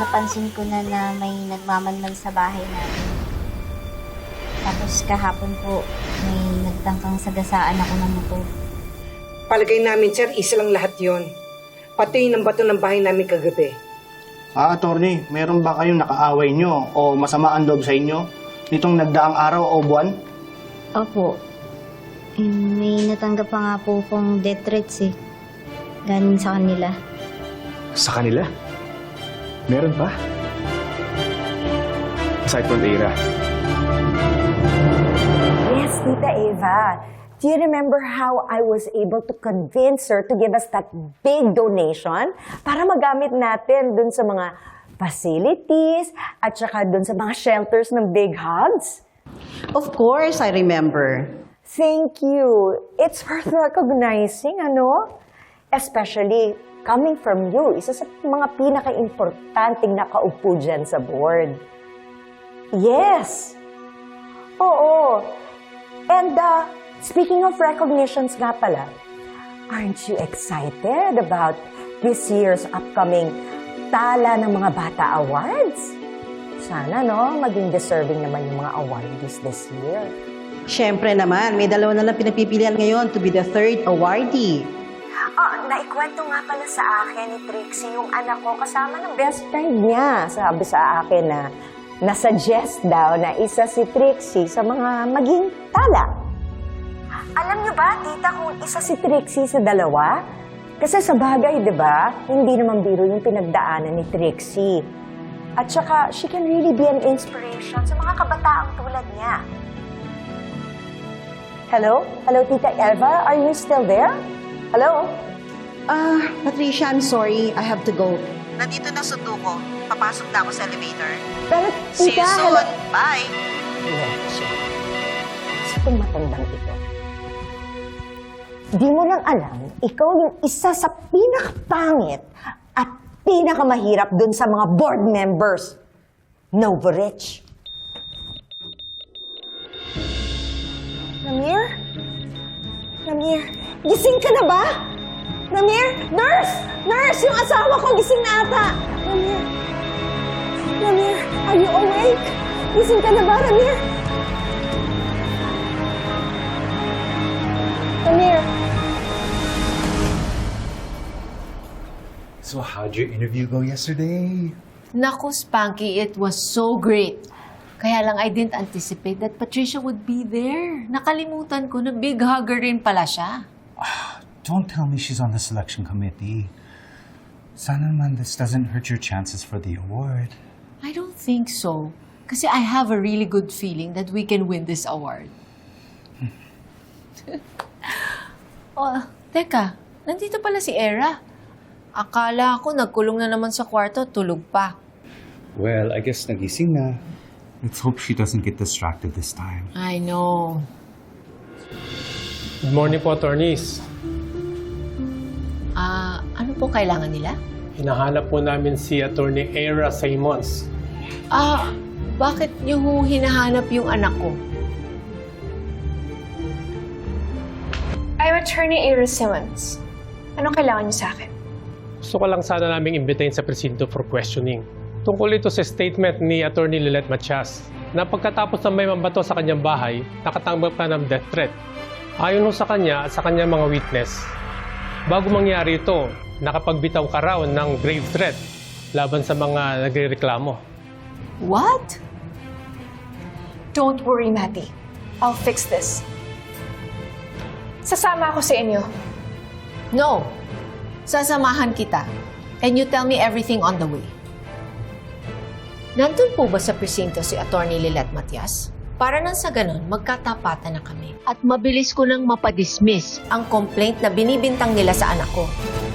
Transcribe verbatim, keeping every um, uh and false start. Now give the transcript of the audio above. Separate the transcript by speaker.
Speaker 1: napansin ko na na may nagmamanman sa bahay namin. Tapos kahapon po, may nagtangkang sagasaan ako ng motor.
Speaker 2: Palagay namin, sir, isa lang lahat yon. Pati ng bato ng bahay namin kagabi.
Speaker 3: Ah, attorney, meron ba kayong nakaaway nyo o masama ang loob sa inyo nitong nagdaang araw o buwan?
Speaker 1: Opo. Eh, may natanggap pa nga po kong death threats eh. Galing sa kanila.
Speaker 4: Sa kanila? Meron pa? Aside from Ira.
Speaker 5: Yes, Tita Eva. Do you remember how I was able to convince her to give us that big donation para magamit natin dun sa mga facilities at saka dun sa mga shelters ng Big Hugs?
Speaker 6: Of course, I remember.
Speaker 5: Thank you. It's worth recognizing, ano? Especially coming from you, isa sa mga pinaka-importanting nakaupo dyan sa board. Yes! Oo. And, uh, speaking of recognitions nga pala, aren't you excited about this year's upcoming Tala ng Mga Bata Awards? Sana, no? Maging deserving naman yung mga awardees this year.
Speaker 6: Siyempre naman, may dalawa na lang pinagpipilian ngayon to be the third awardee.
Speaker 5: Ah, naikwento nga pala sa akin ni Trixie yung anak ko kasama ng best friend niya. Sabi sa akin na nasuggest daw na isa si Trixie sa mga maging tala. Alam niyo ba, tita, kung isa si Trixie sa dalawa? Kasi sa bagay, di ba, hindi naman biro yung pinagdaanan ni Trixie. At saka, she can really be an inspiration sa mga kabataang tulad niya. Hello? Hello, Tita Eva? Are you still there? Hello?
Speaker 6: Ah, Patricia, I'm sorry. I have to go. Nandito na sundo ko. Papasok na ako sa elevator.
Speaker 5: Pero,
Speaker 6: See
Speaker 5: Tita,
Speaker 6: you soon.
Speaker 5: hello?
Speaker 6: Bye!
Speaker 5: Sa itong matandang ito, di mo lang alam, ikaw yung isa sa pinakapangit at pinakamahirap dun sa mga board members. Novorich. Ramir? Ramir, gising ka na ba? Ramir? Nurse! Nurse! Yung asawa ko gising na ata! Ramir? Ramir, are you awake? Gising ka na ba, Ramir? Ramir?
Speaker 7: So how'd your interview go yesterday?
Speaker 8: Naku, Spanky, it was so great. Kaya lang I didn't anticipate that Patricia would be there. Nakalimutan ko na big hugger rin pala siya.
Speaker 7: Don't tell me she's on the selection committee. Sana naman this doesn't hurt your chances for the award.
Speaker 8: I don't think so. Kasi I have a really good feeling that we can win this award. Oh, teka. Nandito pala si Era. Akala ko nagkulong na naman sa kwarto, tulog pa.
Speaker 7: Well, I guess nagising na. Let's hope she doesn't get distracted this time.
Speaker 8: I know.
Speaker 9: Good morning po, attorneys.
Speaker 8: Ah, ano po kailangan nila?
Speaker 9: Hinahanap po namin si Attorney Era Simons.
Speaker 8: Ah, bakit niyo ho hinahanap yung anak ko?
Speaker 10: I'm Attorney Ira Simmons. Anong kailangan niyo sa akin?
Speaker 9: Gusto ko lang sana naming imbitahin sa presinto for questioning. Tungkol ito sa statement ni Attorney Lilet Matias na pagkatapos ng may mambato sa kanyang bahay, nakatanggap ka ng death threat. Ayon ho sa kanya at sa kanyang mga witness, bago mangyari ito, nakapagbitaw ka raw ng grave threat laban sa mga nagrereklamo.
Speaker 8: What?
Speaker 10: Don't worry, Matty. I'll fix this. Sasama ako sa inyo.
Speaker 8: No. Sasamahan kita. And you tell me everything on the way. Nandun po ba sa presinto si Attorney Lilet Matias? Para nang sa ganon, magkatapatan na kami. At mabilis ko nang mapadismiss ang complaint na binibintang nila sa anak ko.